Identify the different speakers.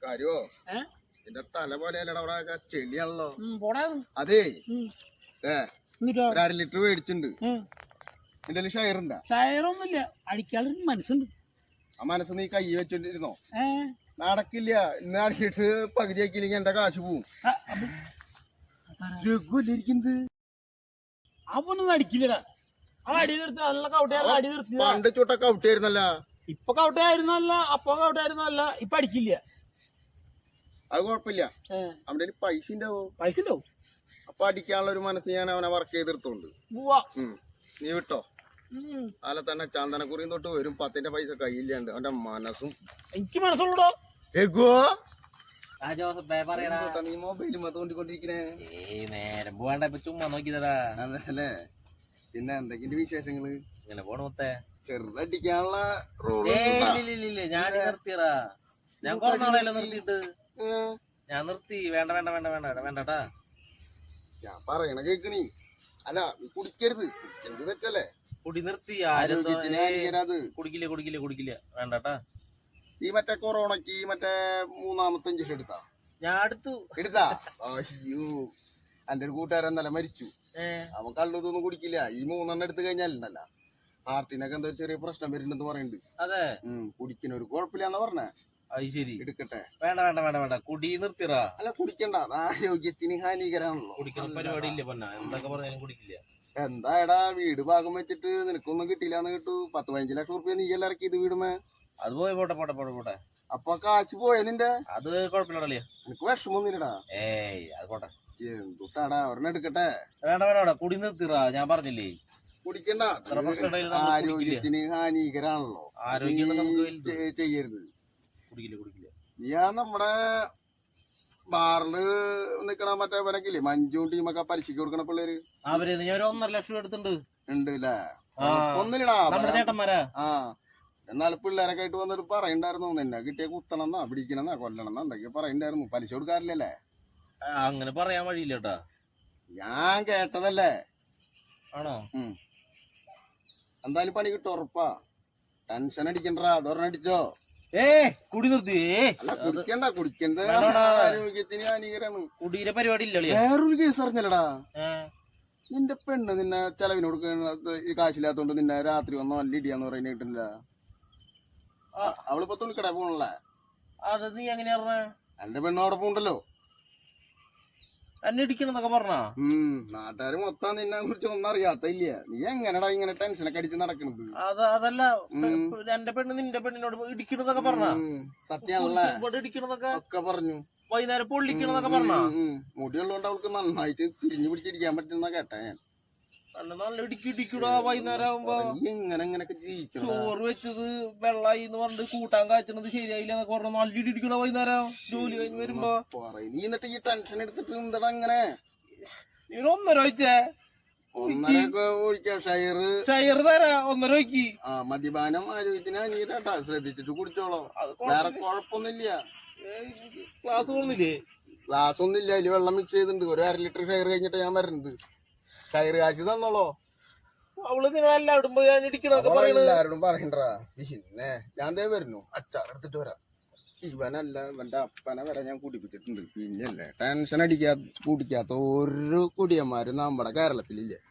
Speaker 1: കാര്യോ എന്റെ തല പോലെയല്ലടാ അവിടെ ചെളിയാണല്ലോ.
Speaker 2: അതേ
Speaker 1: ഒരു 1/2 ലിറ്റർ മേടിച്ചിട്ടുണ്ട്. എന്റെ ഷയറുണ്ടാ?
Speaker 2: ഷയറൊന്നുമില്ല, അടിക്കാനുള്ള മനസ്സുണ്ട്.
Speaker 1: ആ മനസ്സ് നീ കൈ വെച്ചോണ്ടിരുന്നോ? നടക്കില്ല. ഇന്ന് 1/2 ലിറ്റർ പകുതി ആക്കിയില്ലെങ്കിൽ എന്റെ കാശ് പോവും. രഘുവല്ലിരിക്കുന്നത്
Speaker 2: അപ്പൊന്നും അടിക്കില്ലടാ. ആ അടി നിർത്തി നല്ല കൗട്ടയായിരുന്നു. അടി നിർത്തി
Speaker 1: പണ്ട് ചുട്ട കൗട്ടായിരുന്നല്ല.
Speaker 2: ഇപ്പൊ കൗട്ടയായിരുന്നല്ല, അപ്പൊ കൗട്ടായിരുന്നല്ല. ഇപ്പൊ അടിക്കില്ല.
Speaker 1: അത് കുഴപ്പമില്ല. അവന്റെ പൈസ ഉണ്ടാവോ?
Speaker 2: പൈസ ഉണ്ടാവും.
Speaker 1: അപ്പൊ അടിക്കാനുള്ള ഒരു മനസ്സ് ഞാൻ അവനെ വർക്ക് ചെയ്തെടുത്തോണ്ട്. നീ വിട്ടോ. അല്ല തന്നെ ചന്ദനക്കുറിയും തൊട്ട് വരും 10ന്റെ പൈസ കയ്യില്ലാണ്ട് അവന്റെ മനസ്സും.
Speaker 2: എനിക്ക് മനസ്സുള്ളൂടോ.
Speaker 1: നീ മൊബൈലും തോണ്ടിക്കൊണ്ടിരിക്കണേ.
Speaker 3: നേരം പോവാണ്ട ചുമ്മാ നോക്കിയതാ.
Speaker 1: അതല്ലേ. പിന്നെ എന്തൊക്കെയുണ്ട് വിശേഷങ്ങള്?
Speaker 3: ഇങ്ങനെ പോണ മൊത്തേ
Speaker 1: ചെറുതടിക്കാനുള്ള റോഡ്
Speaker 3: ഞാൻ നിർത്തിയടാ. ഞാൻ കുറെ നാളെയല്ലോ നിർത്തിയിട്ട്. ഞാൻ നിർത്തി. വേണ്ട വേണ്ട വേണ്ട വേണ്ട വേണ്ടട്ടാ.
Speaker 1: ഞാൻ പറയണ കേക്ക് നീ. അല്ല നീ കുടിക്കരുത്. എന്ത് തെറ്റല്ലേ?
Speaker 3: കുടി നിർത്തി. കുടിക്കില്ല കുടിക്കില്ല കുടിക്കില്ല. വേണ്ടട്ടാ.
Speaker 1: ഈ മറ്റേ കൊറോണക്ക് മറ്റേ 3ാമത്തെ ഇഞ്ചക്ഷൻ എടുത്താ?
Speaker 3: ഞാൻ എടുത്താ?
Speaker 1: അയ്യോ, എന്റെ ഒരു കൂട്ടുകാരൻ നല്ല മരിച്ചു. അവൻ കള്ളതൊന്നും കുടിക്കില്ല. ഈ 3 എടുത്തു കഴിഞ്ഞാലുണ്ടല്ല ഹാർട്ടിനൊക്കെ എന്തോ ചെറിയ പ്രശ്നം വരുന്നുണ്ടെന്ന് പറയുന്നുണ്ട്.
Speaker 3: അതെ,
Speaker 1: കുടിക്കുന്ന ഒരു കുഴപ്പമില്ലാന്ന് പറഞ്ഞേ.
Speaker 3: അത് ശരി.
Speaker 1: എടുക്കട്ടെ.
Speaker 3: വേണ്ട വേണ്ട വേണ്ട വേണ്ട. കുടി നിർത്തിറാ.
Speaker 1: അല്ല കുടിക്കണ്ട, ആരോഗ്യത്തിന് ഹാനികരാണല്ലോ.
Speaker 3: കുടിക്കുന്ന പരിപാടി ഇല്ല പൊന്ന. എന്തൊക്കെ പറഞ്ഞാലും കുടിക്കില്ല.
Speaker 1: എന്തായടാ വീട് ഭാഗം വെച്ചിട്ട് നിനക്കൊന്നും കിട്ടിയില്ലാന്ന് കേട്ടു. 10-15 ലക്ഷം റുപ്യ നീ എല്ലാം ഇറക്കിയത് വീടുമേ.
Speaker 3: അത് പോയി പോട്ടെ പോട്ടെ പോട്ടെ പോട്ടെ.
Speaker 1: അപ്പൊ കാശ് പോയ നിന്റെ?
Speaker 3: അത് കുഴപ്പമില്ലടേ.
Speaker 1: നിനക്ക് വിഷമൊന്നുമില്ലടാ?
Speaker 3: അത് പോട്ടെ.
Speaker 1: എന്തുട്ടാടാ ഒരെണ്ണം എടുക്കട്ടെ.
Speaker 3: വേണ്ട വേണ്ട. കുടി നിർത്തിറാ. ഞാൻ പറഞ്ഞില്ലേ
Speaker 1: കുടിക്കണ്ട. ആരോഗ്യത്തിന് ഹാനികരാണല്ലോ.
Speaker 3: ആരോഗ്യം
Speaker 1: ചെയ്യരുത്.
Speaker 3: കുടിക്കില്ല കുടിക്കില്ല.
Speaker 1: ഞാൻ നമ്മുടെ ബാറില് നിക്കണ മറ്റേ വനക്കില്ലേ മഞ്ജു ടീമൊക്കെ പലിശക്ക് കൊടുക്കണ പിള്ളേര്.
Speaker 3: അവര് ഞാൻ 1.5 ലക്ഷം എടുത്തിട്ടുണ്ട്.
Speaker 1: ഉണ്ടല്ലേ? ഒന്നില്ലടാ
Speaker 3: ചേട്ടന്മാരാ.
Speaker 1: എന്നാൽ പിള്ളേരൊക്കെ ആയിട്ട് വന്നിട്ട് പറയണ്ടായിരുന്നു നിന്നെ കിട്ടിയ കുത്തണമെന്നാ പിടിക്കണമെന്നാ കൊല്ലണമെന്നാ എന്തൊക്കെയാ പറയണ്ടായിരുന്നു. പലിശ കൊടുക്കാറില്ലല്ലേ?
Speaker 3: അങ്ങനെ പറയാൻ വഴിയില്ല കേട്ടാ.
Speaker 1: ഞാൻ കേട്ടതല്ലേ.
Speaker 3: ആണോ?
Speaker 1: എന്തായാലും പണി കിട്ടും ഉറപ്പാ. ടെൻഷൻ അടിക്കണ്ടാ. അതൊരെണ്ണം അടിച്ചോ.
Speaker 3: കുടി നിർത്തി.
Speaker 1: അല്ല കുടിക്കണ്ട. കുടിക്കുന്നത് ആരോഗ്യത്തിന് ഹാനികരാണ്.
Speaker 3: കുടിയുടെ പരിപാടി ഇല്ല.
Speaker 1: വേറൊരു കേസ് അറിഞ്ഞല്ലടാ. നിന്റെ പെണ്ണ് നിന്നെ ചെലവിന് കൊടുക്കുന്ന ഈ കാശില്ലാത്തോണ്ട് നിന്നെ രാത്രി വന്നോ നല്ല ഇടിയാന്ന് പറയുന്ന കിട്ടില്ല. അവളിപ്പോ തുണിക്കട പോണല്ലേ?
Speaker 3: അത് നീ എങ്ങനെയാ പറഞ്ഞ?
Speaker 1: എന്റെ പെണ്ണ് അവിടെ പോണ്ടല്ലോ.
Speaker 3: എന്നെ ഇടിക്കണെന്നൊക്കെ പറഞ്ഞ
Speaker 1: നാട്ടുകാര് മൊത്തം നിന്നെ കുറിച്ച് ഒന്നും അറിയാത്തില്ല. നീ എങ്ങനെടാ ഇങ്ങനെ ടെൻഷനൊക്കെ അടിച്ച് നടക്കണത്?
Speaker 3: അതല്ല എന്റെ പെണ്ണ് നിന്റെ പെണ്ണിനോട് ഇടിക്കണെന്നൊക്കെ പറഞ്ഞ?
Speaker 1: സത്യാണല്ലേ?
Speaker 3: ഇടിക്കണെന്നൊക്കെ
Speaker 1: ഒക്കെ പറഞ്ഞു.
Speaker 3: വൈകുന്നേരം പൊള്ളിക്കണെന്നൊക്കെ പറഞ്ഞ?
Speaker 1: മുടിയുള്ളതുകൊണ്ട് അവൾക്ക് നന്നായിട്ട് തിരിഞ്ഞു പിടിച്ചിരിക്കാൻ പറ്റുന്ന കേട്ടാ ഞാൻ.
Speaker 3: നല്ല ഇടിക്കൂടാ. വൈകുന്നേരം ആകുമ്പോ
Speaker 1: എങ്ങനെയൊക്കെ ജീവിക്കണം.
Speaker 3: ചോറ് വെച്ചത് വെള്ളായി എന്ന് പറഞ്ഞിട്ട് കൂട്ടാൻ കാച്ചണത് ശരിയായില്ല എന്നൊക്കെ പറഞ്ഞു. നല്ല ഇടിക്കൂടാ വൈകുന്നേരം ജോലി കഴിഞ്ഞ് വരുമ്പോ.
Speaker 1: നീ എന്നിട്ട് ഈ ടെൻഷൻ എടുത്തിട്ട് എന്താ അങ്ങനെ?
Speaker 3: നീ 1.5 ഒഴിച്ചേ.
Speaker 1: 1.5 ഒഴിക്കാം.
Speaker 3: ഷയർ തരാ. 1.5 ഒഴിക്കി.
Speaker 1: മദ്യപാനം ആരോഗ്യത്തിന് അനിയട്ടാ. ശ്രദ്ധിച്ചിട്ട് കുടിച്ചോളോ. വേറെ കുഴപ്പമൊന്നുമില്ല.
Speaker 3: ക്ലാസ് തോന്നില്ലേ?
Speaker 1: ക്ലാസ് ഒന്നുമില്ല. അതില് വെള്ളം മിക്സ് ചെയ്തിട്ടുണ്ട്. ഒരു 1/2 ലിറ്റർ ഷയർ കഴിഞ്ഞിട്ട് ഞാൻ വരുന്നത്. ഷയർ കാശ് തന്നോളോ.
Speaker 3: അവള് എല്ലാവരും
Speaker 1: എല്ലാരോടും പറയണ്ടാ. പിന്നെ ഞാൻ വരുന്നു. അച്ചാറെടുത്തിട്ട് വരാം. ഇവനല്ല ഇവന്റെ അപ്പനെ വരെ ഞാൻ കുടിപ്പിച്ചിട്ടുണ്ട്. പിന്നല്ലേ ടെൻഷൻ കുടിക്കാത്ത ഒരു കുടിയന്മാരും നമ്മുടെ കേരളത്തിലില്ലേ.